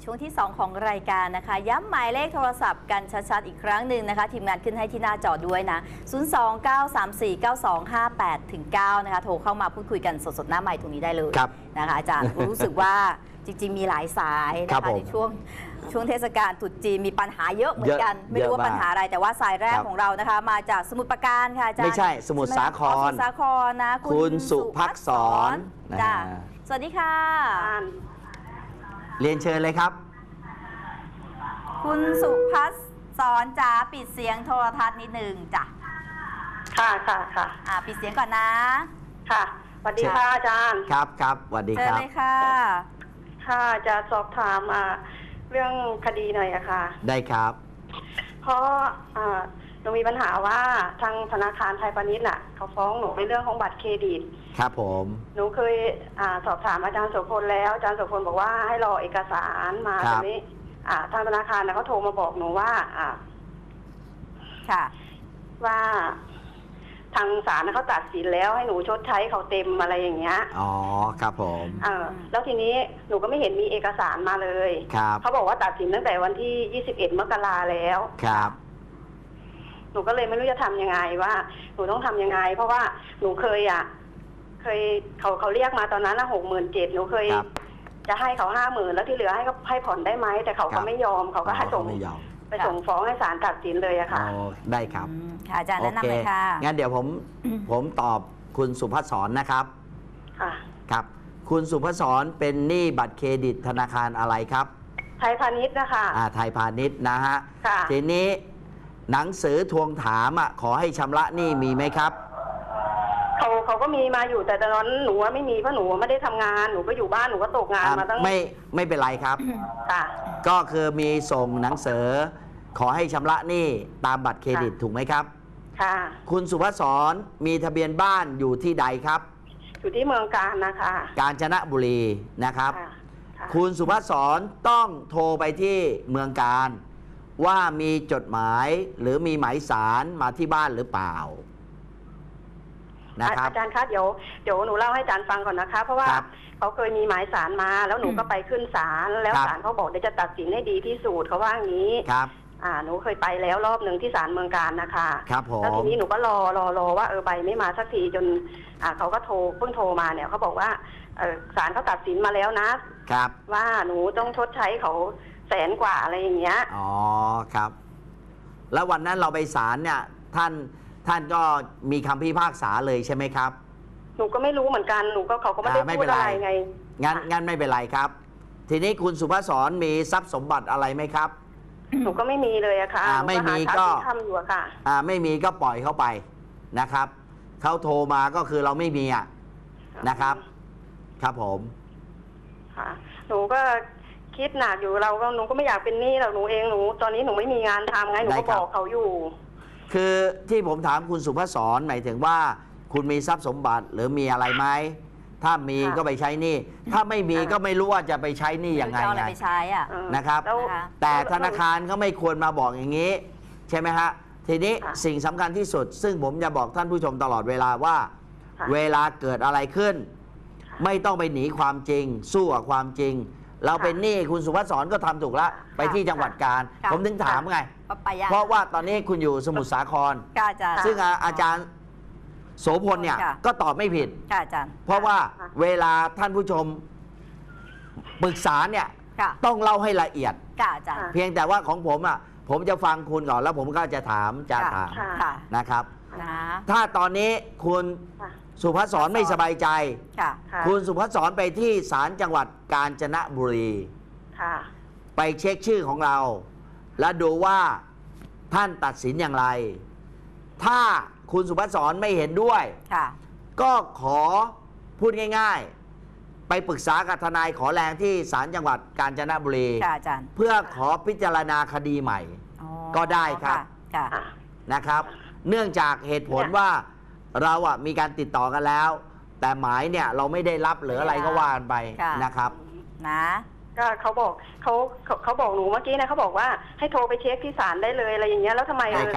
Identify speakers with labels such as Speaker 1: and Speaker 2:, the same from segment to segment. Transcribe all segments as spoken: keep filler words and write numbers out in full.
Speaker 1: ช่วงที่สองของรายการนะคะย้ำหมายเลขโทรศัพท์กันชัดๆอีกครั้งหนึ่งนะคะทีมงานขึ้นให้ที่หน้าจอด้วยนะศูนย์ สอง เก้า สาม สี่ เก้า สอง ห้า แปด ถึง เก้านะคะโทรเข้ามาพูดคุยกันสดๆหน้าไมค์ตรงนี้ได้เลยนะคะอาจารย์รู้สึกว่าจริงๆมีหลายสายนะคะในช่วงช่วงเทศกาลตรุษจีนมีปัญหาเยอะเหมือนกันไม่รู้ว่าปัญหาอะไรแต่ว่าสายแรกของเรานะคะมาจากสมุทรปราการค่ะอาจารย์
Speaker 2: ไม่ใช่สมุทรสาคร
Speaker 1: สมุทรสาครนะ
Speaker 2: คุณสุภักษร
Speaker 1: จ้าสวัสดีค่ะ
Speaker 2: เรียนเชิญเลยครับ
Speaker 1: คุณสุภัสรจ๋าปิดเสียงโทรทัศน์นิดนึงจ้ะ
Speaker 3: ค่ะค่ะค่ะ
Speaker 1: อ่าปิดเสียงก่อนนะ
Speaker 3: ค่ะสวัสดีค่ะอาจารย์
Speaker 2: ครับครับสวัสดีครับ
Speaker 1: เชิญเลยค่ะ
Speaker 3: ค่ะจะสอบถามอ่าเรื่องคดีหน่อยอะค่ะ
Speaker 2: ได้ครับ
Speaker 3: เพราะอ่าหนูมีปัญหาว่าทางธนาคารไทยพาณิชย์น่ะเขาฟ้องหนูในเรื่องของบัตรเครดิต
Speaker 2: ครับผม
Speaker 3: หนูเคยอ่าสอบถามอาจารย์โสพลแล้วอาจารย์โสพลบอกว่าให้รอเอกสารมาตรงนี้อ่าทางธนาคารน่ะเขาโทรมาบอกหนูว่าอ่า
Speaker 1: ค่ะ
Speaker 3: ว่าทางศาลเขาตัดสินแล้วให้หนูชดใช้เขาเต็มอะไรอย่างเงี้ย
Speaker 2: อ๋อครับผม
Speaker 3: เออแล้วทีนี้หนูก็ไม่เห็นมีเอกสารมาเลย
Speaker 2: ครับ
Speaker 3: เขาบอกว่าตัดสินตั้งแต่วันที่ยี่สิบเอ็ดมกราแล้ว
Speaker 2: ครับ
Speaker 3: หนูก็เลยไม่รู้จะทำยังไงว่าหนูต้องทำยังไงเพราะว่าหนูเคยอ่ะเคยเขาเขาเรียกมาตอนนั้นละหกหมื่นเจ็ดหนูเคยจะให้เขาห้าหมื่นแล้วที่เหลือให้เขาให้ผ่อนได้ไหมแต่เขาก็ไม่ยอมเขาก็ให้ส่งไปส่งฟ้องให้ศาลตัดสินเลยอะค่ะ
Speaker 2: ได้ครับ
Speaker 1: ค่ะอาจารย์แนะนำเลยค่ะ
Speaker 2: งั้นเดี๋ยวผมผมตอบคุณสุภัสสรนะครับ
Speaker 3: ค่ะ
Speaker 2: ครับคุณสุภัสสรเป็นหนี้บัตรเครดิตธนาคารอะไรครับ
Speaker 3: ไทยพาณิชย์นะคะ
Speaker 2: อ่าไทยพาณิชย์นะฮะ
Speaker 3: ค่ะ
Speaker 2: ทีนี้หนังสือทวงถามอ่ะขอให้ชำระหนี้มีไหมครับ
Speaker 3: เขาเขาก็มีมาอยู่แต่ตอนนั้นหนูไม่มีเพราะหนูไม่ได้ทำงานหนูก็อยู่บ้านหนูก็ตกงานมาตั้ง
Speaker 2: ไม่ไม่เป็นไรครับ
Speaker 3: ค่ะ
Speaker 2: ก็คือมีส่งหนังสือขอให้ชำระหนี้ตามบัตรเครดิตถูกไหมครับ
Speaker 3: ค่ะ
Speaker 2: คุณสุภัสสรมีทะเบียนบ้านอยู่ที่ใดครับ
Speaker 3: อยู่ที่เมืองกาญนะคะ
Speaker 2: กาญจนบุรีนะครับคุณสุภัสสรต้องโทรไปที่เมืองกาญว่ามีจดหมายหรือมีหมายสารมาที่บ้านหรือเปล่า
Speaker 3: นะครับอาจารย์คะเดี๋ยวเดี๋ยวหนูเล่าให้อาจารย์ฟังก่อนนะคะเพราะว่าเขาเคยมีหมายสารมาแล้วหนูก็ไปขึ้นศาลแล้วศาลเขาบอกเดี๋ยวจะตัดสินให้ดีที่สุดเขาว่าอย่างนี้
Speaker 2: ครับ
Speaker 3: อ่าหนูเคยไปแล้วรอบหนึ่งที่ศาลเมืองกาญนะคะ
Speaker 2: ครับผม
Speaker 3: แล้วทีนี้หนูก็รอรอรอว่าเออใบไม่มาสักทีจนอ่าเขาก็โทรเพิ่งโทรมาเนี่ยเขาบอกว่าเออศาลเขาตัดสินมาแล้วนะครับว่าหนูต้องชดใช้เขาแสนกว่าอะไรอย่างเงี้ย
Speaker 2: อ๋อครับแล้ววันนั้นเราไปศาลเนี่ยท่านท่านก็มีคำพิพากษาเลยใช่ไหมครับ
Speaker 3: หนูก็ไม่รู้เหมือนกันหนูก็เขาก็ไม่ได้พูดอะไรไง
Speaker 2: งั้นงั้นไม่เป็นไรครับทีนี้คุณสุภัสสรมีทรัพย์สมบัติอะไรไหมครับ
Speaker 3: หนูก็ไม่มีเลยอะค่ะ
Speaker 2: อ่าไม่มีก็
Speaker 3: ทำอยู่อะค่ะ
Speaker 2: อ่าไม่มีก็ปล่อยเขาไปนะครับเขาโทรมาก็คือเราไม่มีอ่ะนะครับครับผม
Speaker 3: ค่ะหนูก็คิดหนักอยู่เราก็หนูก็ไม่อยากเป็นหนี้หรอกหนูเองหนูตอนนี้หนูไม่มีงานทำไงหนูก็บอกเขาอยู่
Speaker 2: คือที่ผมถามคุณสุภัสสรหมายถึงว่าคุณมีทรัพย์สมบัติหรือมีอะไรไหมถ้ามีก็ไปใช้หนี้ถ้าไม่มีก็ไม่รู้ว่าจะไปใช้หนี้ยังไงไงนะครับแต่ธนาคารเขาไม่ควรมาบอกอย่างนี้ใช่ไหมฮะทีนี้สิ่งสำคัญที่สุดซึ่งผมจะบอกท่านผู้ชมตลอดเวลาว่าเวลาเกิดอะไรขึ้นไม่ต้องไปหนีความจริงสู้กับความจริงเราเป็นหนี้คุณสุภัสสรก็ทำถูกแล้วไปที่จังหวัดกาญผมถึงถามไงเพราะว่าตอนนี้คุณอยู่สมุทรสาครซึ่งอาจารย์โสพลเนี่ยก็ตอบไม่ผิดเพราะว่าเวลาท่านผู้ชมปรึกษาเนี่ยต้องเล่าให้ละเอียดเพียงแต่ว่าของผมอ่ะผมจะฟังคุณก่อนแล้วผมก็จะถามจะถามนะครับถ้าตอนนี้คุณสุภัสสรไม่สบายใจคุณสุภัสสรไปที่ศาลจังหวัดกาญจนบุรีไปเช็คชื่อของเราและดูว่าท่านตัดสินอย่างไรถ้าคุณสุภัสสรไม่เห็นด้วยก็ขอพูดง่ายๆไปปรึกษากับทนายขอแรงที่ศาลจังหวัดกาญจนบุรีเพื่อขอพิจารณาคดีใหม่ก็ได้ครับนะครับเนื่องจากเหตุผลว่าเราอ่ะมีการติดต่อกันแล้วแต่หมายเนี่ยเราไม่ได้รับหรืออะไรก็ว่ากันไปนะครับ
Speaker 1: นะ
Speaker 3: ก็เขาบอกเขาเขาบอกหนูเมื่อกี้นะเขาบอกว่าให้โทรไปเช็คที่ศาลได้เลยอะไรอย่างเงี้ยแล้วทำไม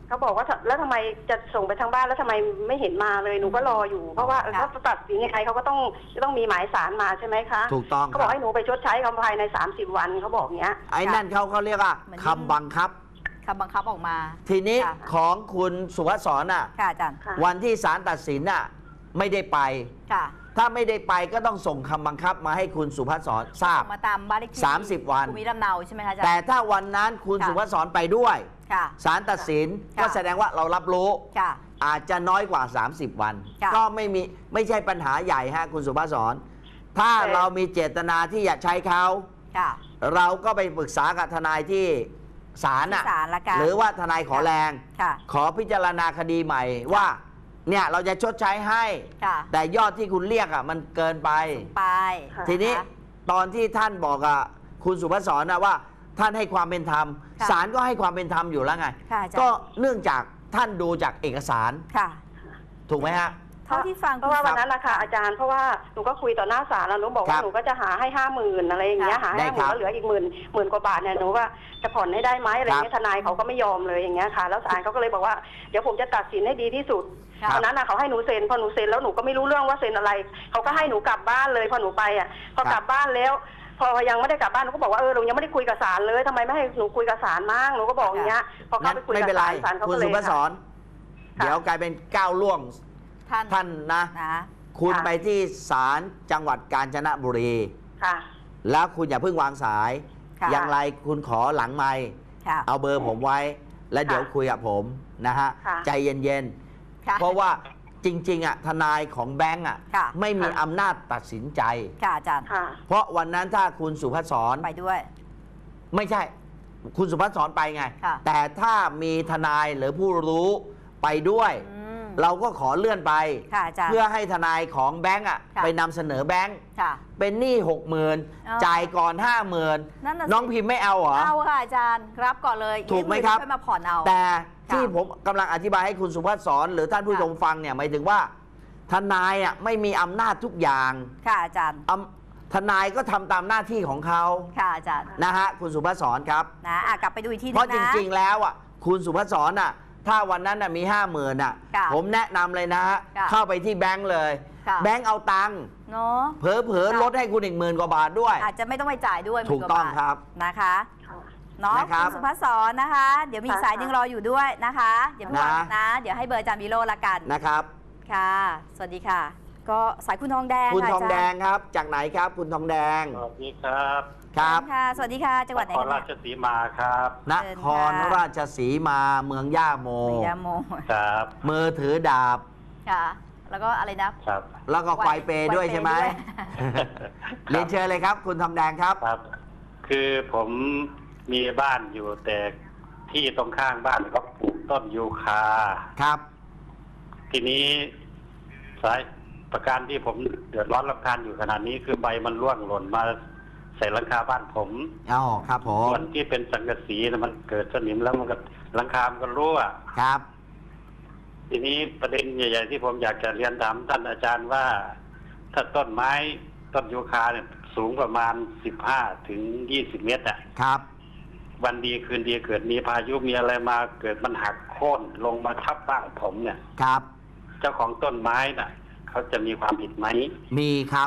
Speaker 3: เขาบอกว่าแล้วทำไมจะส่งไปทางบ้านแล้วทำไมไม่เห็นมาเลยหนูก็รออยู่เพราะว่าเขาตัดสินยังไงเขาก็ต้องต้องมีหมายสารมาใช่ไหมคะ
Speaker 2: ถูกต้อง
Speaker 3: เขาบอกให้หนูไปชดใช้คำภายในสามสิบวันเขาบอกเนี้ย
Speaker 2: ไอ้นั่นเขาเขาเรียกว่าคำบังคับ
Speaker 1: คำบังคับออกมา
Speaker 2: ทีนี้
Speaker 1: ค่ะ
Speaker 2: ของคุณสุภัสสรน่ะ
Speaker 1: ค่ะอาจารย์
Speaker 3: ค่ะ
Speaker 2: วันที่ศาลตัดสินน่ะไม่ได้ไป
Speaker 1: ค่ะ
Speaker 2: ถ้าไม่ได้ไปก็ต้องส่งคำบังคับมาให้คุณสุภัสสรทราบ
Speaker 1: มาตามบ้านเลขที่
Speaker 2: สามสิบวัน
Speaker 1: ภูมิลำเนาใช่ไหมคะอาจารย์
Speaker 2: แต่ถ้าวันนั้นคุณ
Speaker 1: ค่ะ
Speaker 2: สุภัสสรไปด้วย
Speaker 1: ค่ะ
Speaker 2: ศาลตัดสิน
Speaker 1: ค่ะ
Speaker 2: ก็แสดงว่าเรารับรู้
Speaker 1: ค่ะ
Speaker 2: อาจจะน้อยกว่า สามสิบ วัน
Speaker 1: ค่ะ
Speaker 2: ก็ไม่มีไม่ใช่ปัญหาใหญ่ฮะคุณสุภัสสรถ้า
Speaker 3: แต่
Speaker 2: เรามีเจตนาที่อยากใช้เขา
Speaker 1: ค่ะ
Speaker 2: เราก็ไปปรึกษากับทนายที่ศาลน่ะ
Speaker 1: ที่ศาลละกัน
Speaker 2: หรือว่าทนายขอแรง
Speaker 1: ค่ะ
Speaker 2: ขอพิจารณาคดีใหม่ว่าเนี่ยเราจะชดใช้ให้
Speaker 1: ค่ะ
Speaker 2: แต่ยอดที่คุณเรียกอ่ะมันเกินไป
Speaker 1: ไป
Speaker 3: ค่ะ
Speaker 2: ทีนี้
Speaker 1: นะคะ
Speaker 2: ตอนที่ท่านบอกกับคุณสุภัสสรนะว่าท่านให้ความเป็นธรรม
Speaker 1: ค่ะ
Speaker 2: ศาลก็ให้ความเป็นธรรมอยู่แล้วไง
Speaker 1: ค่ะอาจารย์
Speaker 2: ก็เนื่องจากท่านดูจากเอกสาร
Speaker 1: ค่ะ
Speaker 2: ถูกไหมฮะ
Speaker 1: เท่าที่ฟัง
Speaker 3: เพราะว่าวันนั้นนะคะอาจารย์เพราะว่าหนูก็คุยต่อหน้าศาลแล้วหนูบอก
Speaker 2: ครั
Speaker 3: ว่า
Speaker 2: บ
Speaker 3: หนูก็จะหาให้ห้าหมื่นอะไรอย่างเงี้ย
Speaker 1: ค่ะ
Speaker 3: หา
Speaker 2: ได้
Speaker 3: ห้าห
Speaker 2: ครั
Speaker 3: มื่น
Speaker 2: บ
Speaker 3: แล้วเหลืออีกหมื่นหมื่นกว่าบาทเนี่ยหนูว่าจะผ่อนให้ได้ไหมอะไรเงี้ย
Speaker 2: ครับ
Speaker 3: ทนายเขาก็ไม่ยอมเลยอย่างเงี้ยค่ะ แล้วศาลเขาก็เลยบอกว่าเดี๋ยวผมจะตัดสินให้ดีที่สุด
Speaker 1: ครับ
Speaker 3: ตอนนั้นน่ะเขาให้หนูเซ็นพอหนูเซ็นแล้วหนูก็ไม่รู้เรื่องว่าเซ็นอะไรเขาก็ให้หนูกลับบ้านเลยพอหนูไปอ่ะพอกลับบ้านแล้ว พอยังไม่ได้กลับบ้านหนูก็บอกว่าเออหนูยังไม่ได้คุยกับศาลเลยทำไมไม่ให้หนูคุยกับศาลมั่งหนูก็บอกอย่างเงี้ยพอเขา
Speaker 2: นั้น
Speaker 3: ไปคุย
Speaker 2: ไม่
Speaker 3: กับ
Speaker 2: เป็นไร
Speaker 3: ศาลศาลเขา
Speaker 2: คุณ
Speaker 3: ก็เลย
Speaker 2: สุภัสสร
Speaker 3: ค่ะ
Speaker 2: เดี๋ยวกลายเป็นก้าวล่วง
Speaker 1: ท่าน
Speaker 2: ท่านนะ
Speaker 1: นะ
Speaker 2: คุณ
Speaker 3: ค่ะ
Speaker 2: ไปที่ศาลจังหวัดกาญจนบุรี
Speaker 3: ค่ะ
Speaker 2: แล้วคุณอย่าเพิ่งวางสาย
Speaker 1: ค่ะ
Speaker 2: อย่างไรคุณขอหลังไมค์
Speaker 1: ค่ะ
Speaker 2: เอาเบอร์ผมไว้ แล้วเดี๋ยวคุยกับผมนะฮะ
Speaker 3: ค่ะ
Speaker 2: ใจเย็น
Speaker 1: ค่ะ
Speaker 2: ๆ เพราะว่าจริงๆอ่ะทนายของแบงก์อ่ะ
Speaker 1: ค่ะ
Speaker 2: ไม่มีอำนาจตัดสินใจ
Speaker 1: ค่ะอาจารย์
Speaker 3: ค่ะ
Speaker 2: เพราะวันนั้นถ้าคุณสุภัสสร
Speaker 1: ไปด้วย
Speaker 2: ไม่ใช่ คุณสุภัสสรไปไง
Speaker 1: ค่ะ
Speaker 2: แต่ถ้ามีทนายหรือผู้รู้ไปด้วย
Speaker 1: อืม
Speaker 2: เราก็ขอเลื่อนไป
Speaker 1: ค่ะอาจารย์
Speaker 2: เพื่อให้ทนายของแบงก์อ่ะ
Speaker 1: ค่ะ
Speaker 2: ไปนำเสนอแบงก์
Speaker 1: ค่ะ
Speaker 2: เป็นหนี้หกหมื่น
Speaker 1: อ๋อ
Speaker 2: จ่ายก่อนห้าหมื่น
Speaker 1: นั่นน่ะสิ
Speaker 2: น้องพิมพ์ไม่เอาเหรอ
Speaker 1: เอาค่ะอาจารย์รับก่อนเลย
Speaker 2: ถูกไหมครับ
Speaker 1: ค่อยมาผ่อนเอา
Speaker 2: แต่ที่
Speaker 1: ค่ะ
Speaker 2: ผมกำลังอธิบายให้คุณสุภัสสรหรือท่านผู้
Speaker 1: ค่ะ
Speaker 2: ชมฟังเนี่ยหมายถึงว่า ทนายอ่ะไม่มีอำนาจทุกอย่าง
Speaker 1: ค่ะอาจารย์
Speaker 2: อำทนายก็ทำตามหน้าที่ของเขา
Speaker 1: ค่ะอาจารย์
Speaker 2: นะฮะคุณสุภัสสรครับ
Speaker 1: นะอ่ะกลับไปดูอีกทีนึง
Speaker 2: เพราะจ
Speaker 1: นะ
Speaker 2: ริง ๆ แล้วอ่ะคุณสุภัสสรอ่ะถ้าวันนั้นน่ะมีห้าหมื่นอ่ะ
Speaker 1: ค่ะ
Speaker 2: ผมแนะนำเลยนะฮะ
Speaker 1: ค่ะ
Speaker 2: เข้าไปที่แบงก์เลย
Speaker 1: ค่ะ
Speaker 2: แบงก์เอาตังค์
Speaker 1: เนาะ
Speaker 2: เผลอ
Speaker 1: ค่ะ
Speaker 2: ๆลดให้คุณอีกหมื่นกว่าบาทด้วย
Speaker 1: อาจจะไม่ต้องไปจ่ายด้วย
Speaker 2: ถูกต้อง
Speaker 1: หมื่นว่าาท
Speaker 2: ครับ
Speaker 1: นะคะ
Speaker 3: ค่ะ
Speaker 1: เนาะ
Speaker 2: นะครับ
Speaker 1: คุณสุภัสสรนะคะ เดี๋ยวมีอีก
Speaker 3: ค่ะ
Speaker 1: สายหนึ่งรออยู่ด้วยนะคะเดี๋ยวพี่
Speaker 2: นะ
Speaker 1: วางนะ เดี๋ยวให้เบอร์อาจารย์วิโรจน์ละกัน
Speaker 2: นะครับ
Speaker 1: ค่ะ สวัสดีค่ะ ก็สายคุณทองแดง
Speaker 2: คุณ
Speaker 1: ค่ะ
Speaker 2: ทองแดง
Speaker 1: าจารย์
Speaker 2: ครับ จากไหนครับ คุณทองแดง
Speaker 4: สวัสดีครับ
Speaker 2: ครับ
Speaker 1: ค่ะ สวัสดีค่ะ จังหวัดไหน
Speaker 4: นคร
Speaker 1: กัน
Speaker 4: รา
Speaker 1: เนี่ย
Speaker 4: ชสีมาครับ
Speaker 2: น
Speaker 1: เชิญ
Speaker 2: คร
Speaker 1: ค่ะ
Speaker 2: ราชสีมาเมืองย่าโม
Speaker 1: พยาโม
Speaker 4: ครับ
Speaker 2: มือถือดาบ
Speaker 1: ค่ะ แล้วก็อะไรนะ
Speaker 4: ครับ
Speaker 2: แล้วก็ควายเปย์ด้วยใช่ไหม
Speaker 1: ควายเปย์
Speaker 2: เรียนเชิญเลยครับ คุณทองแดงครับ
Speaker 4: ครับ คือผมมีบ้านอยู่แต่ที่ตรงข้างบ้านก็ปลูกต้นยูคา
Speaker 2: ครับ
Speaker 4: ทีนี้สายประการที่ผมเดือดร้อนรำคาญอยู่ขนาดนี้คือใบมันร่วงหล่นมาใส่หลังคาบ้านผม
Speaker 2: อ๋อครับผม
Speaker 4: ส่วนที่เป็นสังกะสีนะมันเกิดสนิมแล้วมันก็หลังคามันก็รั่ว
Speaker 2: ครับ
Speaker 4: ทีนี้ประเด็นใหญ่ๆที่ผมอยากจะเรียนถามท่านอาจารย์ว่า ถ้าต้นไม้ต้นยูคาเนี่ยสูงประมาณสิบห้าถึงยี่สิบเมตรอ่ะ
Speaker 2: ครับ
Speaker 4: วันดีคืนดีเกิดมีพายุมีอะไรมาเกิดมันหักโค่นลงมาทับบ้านผมเนี่ย
Speaker 2: ครับ
Speaker 4: เจ้าของต้นไม้น่ะเขาจะมีความผิดไหม
Speaker 2: มีครับ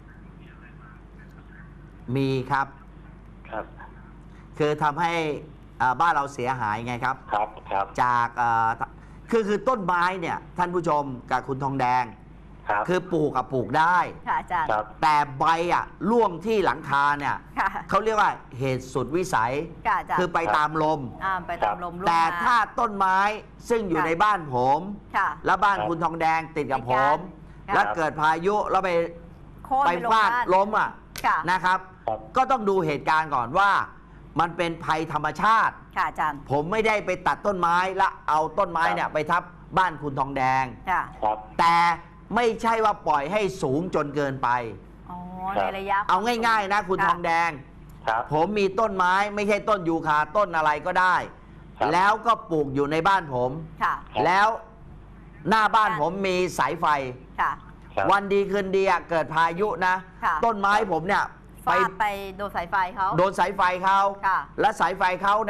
Speaker 2: มีครับ
Speaker 4: ครับ
Speaker 2: คือทำให้อ่าบ้านเราเสียหายไงครับ
Speaker 4: ครับครับ
Speaker 2: จากอ่าคือคือต้นไม้เนี่ย ท่านผู้ชมกับคุณทองแดง
Speaker 4: ครับ
Speaker 2: คือปลูกกับปลูกได้
Speaker 1: ค่ะอาจารย์
Speaker 4: ครับ
Speaker 2: แต่ใบอ่ะร่วงที่หลังคาเนี่ย
Speaker 1: ค่ะ
Speaker 2: เขาเรียกว่าเหตุสุดวิสัย
Speaker 1: ค่ะอาจารย์
Speaker 2: คือไปตามลม
Speaker 1: อ่าไปตามลมร่วง
Speaker 2: แต่
Speaker 1: ม
Speaker 2: ถ้าต้นไม้ซึ่งอยู่
Speaker 1: ค่ะ
Speaker 2: ในบ้านผม
Speaker 1: ค่ะ
Speaker 2: แล้วบ้าน
Speaker 4: ครับ
Speaker 2: คุณทองแดงติดกับ
Speaker 1: ติด
Speaker 2: ผ
Speaker 1: กัน
Speaker 2: ม
Speaker 1: ค่ะ
Speaker 2: แล้วเกิดพายุแล้วไป
Speaker 1: โค่น
Speaker 2: ไป
Speaker 1: ลง
Speaker 2: ฟาด
Speaker 1: บ้น
Speaker 2: ล้มอ่ะ
Speaker 1: ค่ะ
Speaker 2: นะครับ
Speaker 4: ครับ
Speaker 2: ก็ต้องดูเหตุการณ์ก่อนว่า มันเป็นภัยธรรมชาติ
Speaker 1: ค่ะอาจารย์
Speaker 2: ผมไม่ได้ไปตัดต้นไม้และเอาต้นไม้เนี่ยไปทับบ้านคุณทองแดง
Speaker 1: ค่ะ
Speaker 4: ครับ
Speaker 2: แต่ไม่ใช่ว่าปล่อยให้สูงจนเกินไป
Speaker 1: อ๋อ
Speaker 4: ครั
Speaker 1: ใน
Speaker 4: บ
Speaker 1: ระยะ
Speaker 2: เอาง่าย ๆ นะ คุณ
Speaker 1: ค่ะ
Speaker 2: ทองแดง
Speaker 4: ครับ
Speaker 2: ผมมีต้นไม้ไม่ใช่ต้นยูคาต้นอะไรก็ได้
Speaker 4: ครับ
Speaker 2: แล้วก็ปลูกอยู่ในบ้านผม
Speaker 1: ค่ะ
Speaker 4: ครับ
Speaker 2: แล้วหน้าบ้านผมมีสายไฟ
Speaker 1: ค่ะ
Speaker 4: ครับ
Speaker 2: วันดีคืนดีอะเกิดพายุนะ
Speaker 1: ค่ะ
Speaker 2: ต้นไม้ผมเนี่ย
Speaker 1: ฟา
Speaker 2: ไป
Speaker 1: ดไปโดนสายไฟเขา
Speaker 2: โดนสายไฟเขา
Speaker 1: ค่ะ
Speaker 2: และสายไฟเขาเนี่ย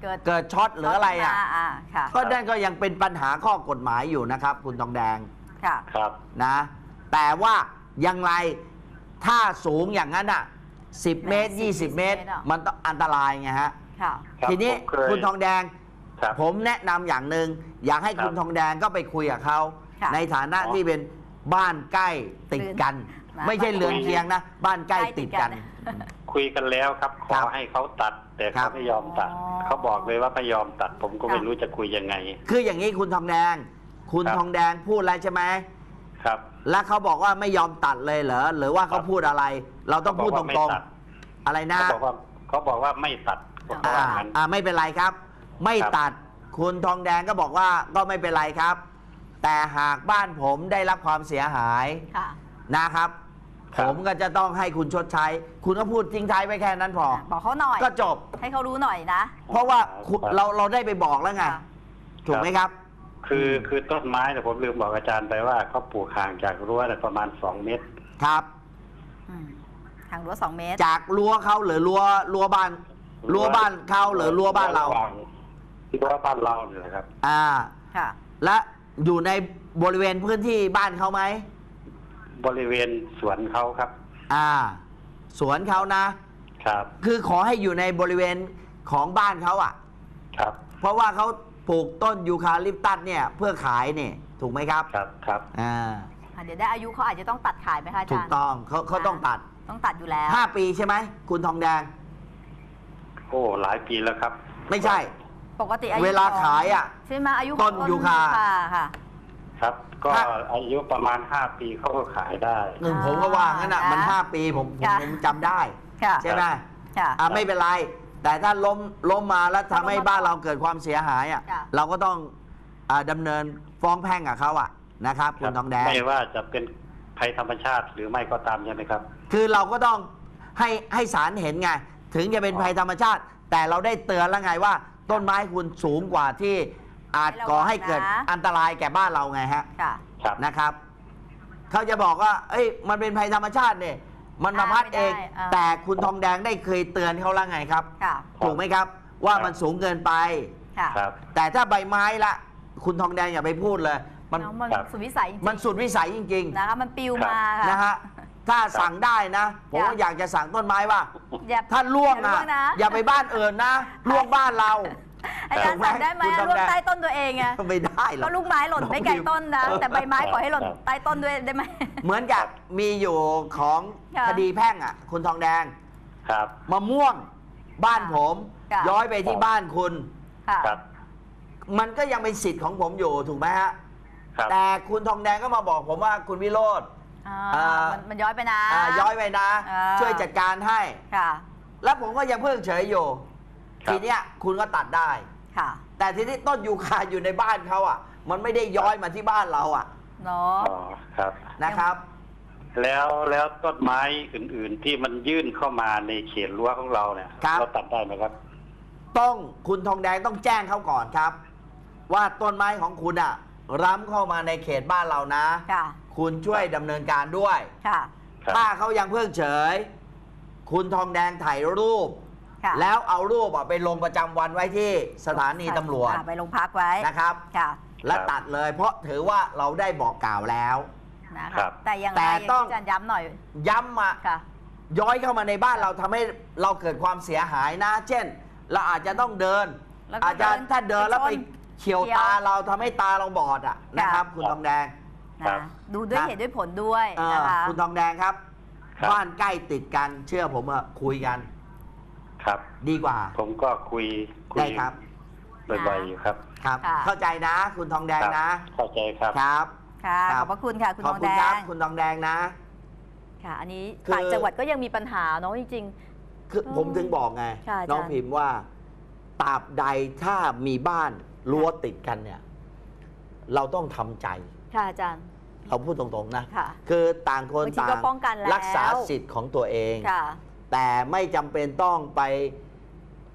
Speaker 1: เกิด
Speaker 2: เกิดช็อตหรืออะไรอ่ะ
Speaker 1: อ่าค่ะ
Speaker 2: ก็นั่นก็ยังเป็นปัญหาข้อกฎหมายอยู่นะครับ คุณทองแดง
Speaker 1: ค่ะ
Speaker 4: ครับ
Speaker 2: นะ แต่ว่ายังไงถ้าสูงอย่างนั้นอ่ะสิบเมตร ยี่สิบ เมตร มันต้องอันตรายไงฮะ
Speaker 1: ค่ะ
Speaker 4: ครับ
Speaker 2: ทีนี้
Speaker 4: ผมเคย
Speaker 2: คุณทองแดง
Speaker 4: ครับ
Speaker 2: ผมแนะนำอย่างหนึ่งอยากให้
Speaker 4: ครับ
Speaker 2: คุณทองแดงก็ไปคุยกับเขา
Speaker 1: ค่ะ
Speaker 2: ในฐานะ
Speaker 4: อ๋อ
Speaker 2: ที่เป็นบ้านใกล้ติดกัน
Speaker 1: นะ
Speaker 2: ไม่ใช่เรือนเคียงนะ บ้านใกล้ติดกัน
Speaker 1: ใกล้ติดกัน
Speaker 4: คุยกันแล้วครับ ข
Speaker 2: ครั
Speaker 4: อบ ให้เขาตัด แต่
Speaker 2: ครั
Speaker 4: เขา
Speaker 2: บ
Speaker 4: ไม่ยอมตัด
Speaker 1: อ๋อ
Speaker 4: เขาบอกเลยว่าไม่ยอมตัด ผมก็ไม่
Speaker 1: ค่ะ
Speaker 4: รู้จะคุยยังไง
Speaker 2: คืออย่างนี้คุณทองแดง คุณ
Speaker 4: ครับ
Speaker 2: ทองแดงพูดอะไรใช่ไหม
Speaker 4: ครับ
Speaker 2: แล้วเขาบอกว่าไม่ยอมตัดเลยเหรอหรือว่าเขาพูดอะไร เราต้องพูดต
Speaker 4: เขาบอก
Speaker 2: ร
Speaker 4: ว่าง ไม่ตัด
Speaker 2: ๆ อะไรนะ
Speaker 4: เขาบอกว่าเขาบอกว่าไม่ตัดเขา
Speaker 2: อ่า
Speaker 4: ว่างั้น
Speaker 2: อ่าไม่เป็นไรครับ ไม่
Speaker 4: ครับ
Speaker 2: ตัดคุณทองแดงก็บอกว่าก็ไม่เป็นไรครับ แต่หากบ้านผมได้รับความเสียหาย
Speaker 1: ค่ะ
Speaker 2: นะครับ
Speaker 4: ครั
Speaker 2: ผ
Speaker 4: บ
Speaker 2: มก็จะต้องให้คุณชดใช้ คุณก็พูดทิ้งท้ายไว้แค่นั้นพอ
Speaker 1: บอกเขาหน่อย
Speaker 2: ก็จบ
Speaker 1: ให้เขารู้หน่อยนะ
Speaker 2: เพราะว่าคุณเราเราได้ไปบอกแล้วไง
Speaker 1: ค่ะ
Speaker 2: ถูกไหมครับ
Speaker 4: คือคือต้นไม้เนี่ยผมลืมบอกอาจารย์ไปว่าเขาปลูกห่างจากรั้วเนี่ยประมาณสองเมตร
Speaker 2: ครับ
Speaker 1: อืมทางรั้วสองเมตร
Speaker 2: จากรั้วเขาหรือรั้วรั้วบ้านรั้วบ้านเขาหรือรั้วบ้านเรา
Speaker 4: ที่รั้วบ้านเราเนี่ยแหละครับ
Speaker 2: อ่า
Speaker 1: ค่ะ
Speaker 2: และอยู่ในบริเวณพื้นที่บ้านเขาไหม
Speaker 4: บริเวณสวนเขาครับ
Speaker 2: อ่า สวนเขานะ
Speaker 4: ครับ
Speaker 2: คือขอให้อยู่ในบริเวณของบ้านเขาอ่ะ
Speaker 4: ครับ
Speaker 2: เพราะว่าเขาปลูกต้นยูคาลิปตัสเนี่ยเพื่อขายเนี่ยถูกไหมครับ
Speaker 4: ครับครับ
Speaker 2: อ่า
Speaker 1: อ่ะเดี๋ยวได้อายุเขาอาจจะต้องตัดขายไหมคะอา
Speaker 2: ถู
Speaker 1: จาก รย์
Speaker 2: ต้องเขาเขาต้องตัด
Speaker 1: ต้องตัดอยู่แล้ว
Speaker 2: ห้าปีใช่ไหมคุณทองแดง
Speaker 4: โอ้หลายปีแล้วครับ
Speaker 2: ไม่ใช่
Speaker 1: ปกติอายุ
Speaker 2: เวลา
Speaker 1: ของ
Speaker 2: ขายอ่ะ
Speaker 1: ใช่ไหมอายุ
Speaker 2: ต้นยูคา
Speaker 1: ค่ะ
Speaker 4: ครับ ก็
Speaker 2: ถ้า
Speaker 4: อายุประมาณห้าปีเขาก็ขายได้
Speaker 2: หนึ่งผมก็ว่างั้นอ่ะ
Speaker 1: อ่ามั
Speaker 2: มันห้าปีผมผม
Speaker 1: ค่ะ
Speaker 2: ผมจำได้
Speaker 1: ค่ะ
Speaker 2: ใช่ไหม
Speaker 1: ค่ะ
Speaker 2: อ่าไม่เป็นไร แต่ถ้าล้มล้มมาแล้วทำให้บ้านเราเกิดความเสียหายอ่ะ
Speaker 1: ค่ะ
Speaker 2: เราก็ต้องอ่าดำเนินฟ้องแพ่งกับเขาอ่ะนะครับ คุณทองแดง
Speaker 4: ไม่ว่าจะเป็นภัยธรรมชาติหรือไม่ก็ตามใช่ไหมครับ
Speaker 2: คือเราก็ต้องให้ให้ศาลเห็นไง ถึงจะเป็นภัยธรรมชาติ แต่เราได้เตือนแล้วไงว่า ต้นไม้คุณสูงกว่าที่อาจก่อให้เกิดอันตรายแก่บ้านเราไงฮะ
Speaker 1: ค่ะ
Speaker 4: ครับ
Speaker 2: นะครับเขาจะบอกว่า เอ้ยมันเป็นภัยธรรมชาติเนี่ยมันมาพัดเอง
Speaker 1: ไม่ได้อ่า
Speaker 2: แต่คุณทองแดงได้เคยเตือนเขาแล้วไงครับ
Speaker 1: ค่ะ
Speaker 2: ถูกไหมครับ ว่า
Speaker 4: ครับ
Speaker 2: มันสูงเกินไป
Speaker 1: ค่ะ
Speaker 4: ครับ
Speaker 2: แต่ถ้าใบไม้ละ คุณทองแดงอย่าไปพูดเลย มัน
Speaker 1: น้องมัน
Speaker 4: ครับ
Speaker 1: สุดวิสัยจริงๆ
Speaker 2: มันสุดวิสัยจริง
Speaker 1: นะคะมันปิว
Speaker 4: ครับ
Speaker 1: มาค่ะ
Speaker 2: ๆนะฮะถ้าสั่งได้นะ ผมก็อยากจะสั่งต้นไม้ว่า
Speaker 1: อย่า
Speaker 2: ถ้าล่วง
Speaker 1: อย่า
Speaker 2: อ่ะ
Speaker 1: ล่วงนะ
Speaker 2: อย่าไปบ้านอื่นนะล่วงบ้านเรา
Speaker 1: อาจารย์สั่งได้ไหม
Speaker 2: คุณต้อง
Speaker 1: ร่วง
Speaker 2: ได้
Speaker 1: ใต้ต้นตัวเองไง
Speaker 2: ไม่ได้หร
Speaker 1: ก็
Speaker 2: อก
Speaker 1: ลูกไม้หล่นไม่ไกลต้นนะ แต่ใบไม้ปล่อยให้หล่น
Speaker 4: ครับ
Speaker 1: ใต้ต้นด้วยได้ไหม
Speaker 2: เหมือนกับมีอยู่ของ
Speaker 1: ค่ะ
Speaker 2: คดีแพ่งอ่ะ คุณทองแดง
Speaker 4: ครับ
Speaker 2: มะม่วงบ้านผม
Speaker 1: ค่ะ
Speaker 2: ย้อยไปที่บ้านคุณ
Speaker 1: ค่ะ
Speaker 4: ครับ
Speaker 2: มันก็ยังเป็นสิทธิ์ของผมอยู่ถูกไหมฮะ
Speaker 4: ครับ
Speaker 2: แต่คุณทองแดงก็มาบอกผมว่าคุณวิโรธ
Speaker 1: อ่า
Speaker 2: อ่ามั
Speaker 1: นมันย้อยไปนะ
Speaker 2: อ่าย้อยไปนะ
Speaker 1: อ่า
Speaker 2: ช่วยจัดการให้
Speaker 1: ค่ะ
Speaker 2: แล้วผมก็ยังเพิ่งเฉยอยู่
Speaker 4: ครับ
Speaker 2: ทีเนี้ยคุณก็ตัดได้
Speaker 1: ค่ะ
Speaker 2: แต่ทีนี้ต้นยูคาอยู่ในบ้านเขาอ่ะ มันไม่ได้ย้อยมาที่บ้านเราอ่ะ
Speaker 1: เนาะ
Speaker 4: อ๋อครับ
Speaker 2: นะครับ
Speaker 4: แล้วแล้วต้นไม้อื่น ๆ ที่มันยื่นเข้ามาในเขตรั้วของเราเนี่ย
Speaker 2: ครับ
Speaker 4: เราตัดได้ไหมครับ
Speaker 2: ต้องคุณทองแดงต้องแจ้งเขาก่อนครับ ว่าต้นไม้ของคุณอ่ะล้ำเข้ามาในเขตบ้านเรานะ
Speaker 1: ค่ะ
Speaker 2: คุณช่วยดำเนินการด้วย
Speaker 1: ค่ะ
Speaker 4: ครับ
Speaker 2: ถ้าเขายังเพิ่งเฉย คุณทองแดงถ่ายรูป
Speaker 1: ค่ะ
Speaker 2: แล้วเอารูปอ่ะไปลงประจำวันไว้ที่สถานีตำรวจ
Speaker 1: อ่าไปโรงพักไว้
Speaker 2: นะครับ
Speaker 1: ค่ะ
Speaker 2: และตัดเลย เพราะถือว่าเราได้บอกกล่าวแล้ว
Speaker 1: นะ
Speaker 4: ครั
Speaker 1: คะ
Speaker 4: บ
Speaker 1: แต่อย่างไร
Speaker 2: แต่
Speaker 1: อย่าง
Speaker 2: ต้อง
Speaker 1: ที่อาจารย์ย้ำหน่อย
Speaker 2: ย้ำมา
Speaker 1: ค่ะ
Speaker 2: ย้อยเข้ามาในบ้านเราทำให้เราเกิดความเสียหายนะ เช่น เราอาจจะต้องเดิน
Speaker 1: แล้วก็
Speaker 2: อาจจะ
Speaker 1: เดิน
Speaker 2: ถ้าเดินแล้วไป
Speaker 1: ไปชน
Speaker 2: เฉียว
Speaker 1: เฉียว
Speaker 2: ตาเราทำให้ตาเราบอดอ่ะนะครับ
Speaker 1: ค่ะ
Speaker 2: คุณทองแดง
Speaker 4: ครับ
Speaker 1: นะดูด้วย
Speaker 2: นะ
Speaker 1: เหตุด้วยผลด้วย
Speaker 2: เออ
Speaker 1: นะคะ
Speaker 2: คุณทองแดงครับ
Speaker 4: ครับ
Speaker 2: บ้านใกล้ติดกันเชื่อผมอะคุยกัน
Speaker 4: ครับ
Speaker 2: ดีกว่า
Speaker 4: ผมก็คุยคุ
Speaker 2: ได้
Speaker 4: ย
Speaker 2: ครับ
Speaker 4: บ่อยๆอยู่ครับ
Speaker 2: ครับ
Speaker 1: ค่ะ
Speaker 2: เข้าใจนะ คุณทองแดง
Speaker 4: ครับ
Speaker 2: นะ
Speaker 4: เข้าใจครับ
Speaker 2: ครับ
Speaker 1: ค่ะ
Speaker 2: ครั
Speaker 1: ข
Speaker 2: บ
Speaker 1: อบพระคุณค่ะ คุณ
Speaker 2: ข
Speaker 1: ท
Speaker 2: อบ
Speaker 1: อง
Speaker 2: คุ
Speaker 1: แด
Speaker 2: ณครับ
Speaker 1: ง
Speaker 2: คุณทองแดงนะ
Speaker 1: ค่ะ อันนี้
Speaker 2: คือ
Speaker 1: ต่างจังหวัดก็ยังมีปัญหาเนาะจริง
Speaker 2: คือ
Speaker 1: อืม
Speaker 2: ผมถึงบอกไง
Speaker 1: ค่ะอาจารย์
Speaker 2: น้องพิมพ์ว่าตราบใดถ้ามีบ้านรั้วติดกันเนี่ย เราต้องทำใจ
Speaker 1: ๆ ค่ะอาจารย์
Speaker 2: เราพูดตรงๆนะ
Speaker 1: ค่ะ
Speaker 2: คือต่างคน
Speaker 1: บางที
Speaker 2: ต่าง
Speaker 1: ก็ป้องกันแล้ว
Speaker 2: รักษาสิทธิ์ของตัวเอง
Speaker 1: ค่ะ
Speaker 2: แต่ไม่จำเป็นต้องไป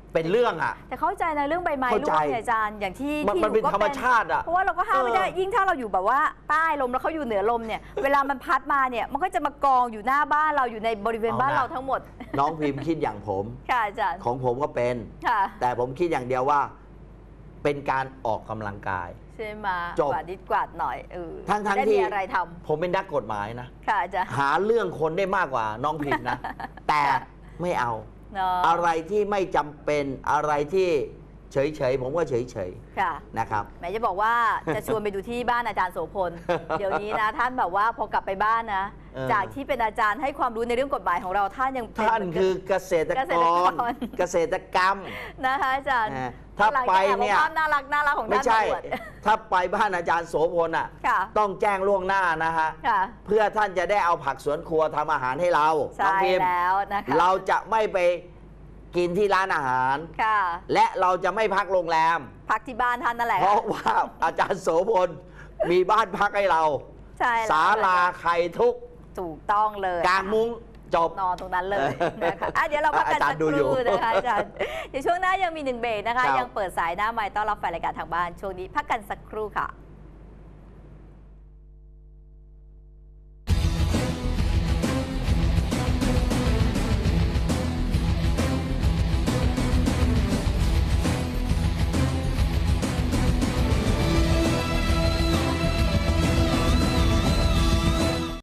Speaker 2: เป็นเรื่องอ่ะ
Speaker 1: แต่เข้าใจนะเรื่องใบไม้
Speaker 2: เข้า
Speaker 1: ร่
Speaker 2: ใจ
Speaker 1: วงเนี่ยอาจารย์อย่างที่
Speaker 2: มัน
Speaker 1: ที่
Speaker 2: มันเป็น
Speaker 1: หก็
Speaker 2: ธรรมชาติอะ
Speaker 1: เพราะว่าเราก็ห้ามไม่ได้
Speaker 2: เออ
Speaker 1: ยิ่งถ้าเราอยู่แบบว่าใต้ลมแล้วเขาอยู่เหนือลมเนี่ยเวลามันพัดมาเนี่ยมันก็จะมากองอยู่หน้าบ้านเราอยู่ในบริเวณบ้านเราทั้งหมด
Speaker 2: น้องพิมพ์คิดอย่างผม
Speaker 1: ค่ะอาจารย์
Speaker 2: ของผมก็เป็น
Speaker 1: ค่ะ
Speaker 2: แต่ผมคิดอย่างเดียวว่า เป็นการออกกำลังกาย
Speaker 1: ใช่ไหม
Speaker 2: จบ
Speaker 1: กวาดนิดกวาดหน่อยเออ
Speaker 2: ทั้งทั้ง
Speaker 1: ได้
Speaker 2: ที่
Speaker 1: มีอะไรท
Speaker 2: ผมเป็นนักกฎหมายนะ
Speaker 1: ำค่ะอาจารย์
Speaker 2: หาเรื่องคนได้มากกว่าน้องพิมพ์นะ แต่ไม่เอา
Speaker 1: เนาะ
Speaker 2: อะไรที่ไม่จำเป็นอะไรที่เฉยๆ ผมก็เฉย
Speaker 1: ค่ะ
Speaker 2: ๆนะครับ
Speaker 1: แหมจะบอกว่าจะชวนไปดูที่บ้านอาจารย์โสพล เดี๋ยวนี้นะท่านแบบว่าพอกลับไปบ้านนะ
Speaker 2: เออ
Speaker 1: จากที่เป็นอาจารย์ให้ความรู้ในเรื่องกฎหมายของเราท่านยังเป็
Speaker 2: ท่าน
Speaker 1: เหมื
Speaker 2: คือเกษตร
Speaker 1: เกษ
Speaker 2: ก
Speaker 1: ตร
Speaker 2: ร
Speaker 1: กร
Speaker 2: เกษตรกรรม
Speaker 1: นะคะอาจารย์
Speaker 2: นะถ้า
Speaker 1: หลัง
Speaker 2: ไป
Speaker 1: จาก
Speaker 2: เนี่ย
Speaker 1: ภาพน่ารักน่ารักของ
Speaker 2: ไม่
Speaker 1: ท่าน
Speaker 2: ใช่
Speaker 1: มาอวด
Speaker 2: ถ้าไปบ้านอาจารย์โสพลอ่ะ
Speaker 1: ค่ะ
Speaker 2: ต้องแจ้งล่วงหน้านะฮะ
Speaker 1: ค่ะ
Speaker 2: เพื่อท่านจะได้เอาผักสวนครัวทำอาหารให้เราน้อ
Speaker 1: ใช่
Speaker 2: งพิมพ์
Speaker 1: แล้วนะคะ
Speaker 2: เราจะไม่ไปกินที่ร้านอาหาร
Speaker 1: ค่ะ
Speaker 2: และเราจะไม่พักโรงแรม
Speaker 1: พักที่บ้านท่านนั่นแหละ
Speaker 2: เพราะว่าอาจารย์โสพลมีบ้านพักให้เรา
Speaker 1: ใช่แล้ว
Speaker 2: ศาลาไข่ทุก
Speaker 1: ถูกต้องเลย
Speaker 2: กลางมุ้งจบ
Speaker 1: นอนตรงนั้นเลยนะคะอ่ะเดี๋ยวเราพักกัน
Speaker 2: อาจาร
Speaker 1: สั
Speaker 2: ย์
Speaker 1: ก
Speaker 2: ดู
Speaker 1: ค
Speaker 2: อยู่
Speaker 1: รู่นะคะอาจารย์เดี๋ยวช่วงหน้ายังมีหนึ่งเบรกนะคะ
Speaker 2: ครับ
Speaker 1: ยังเปิดสายหน้าไมค์ต้อนรับแฟนรายการทางบ้านช่วงนี้พักกันสักครู่ค่ะ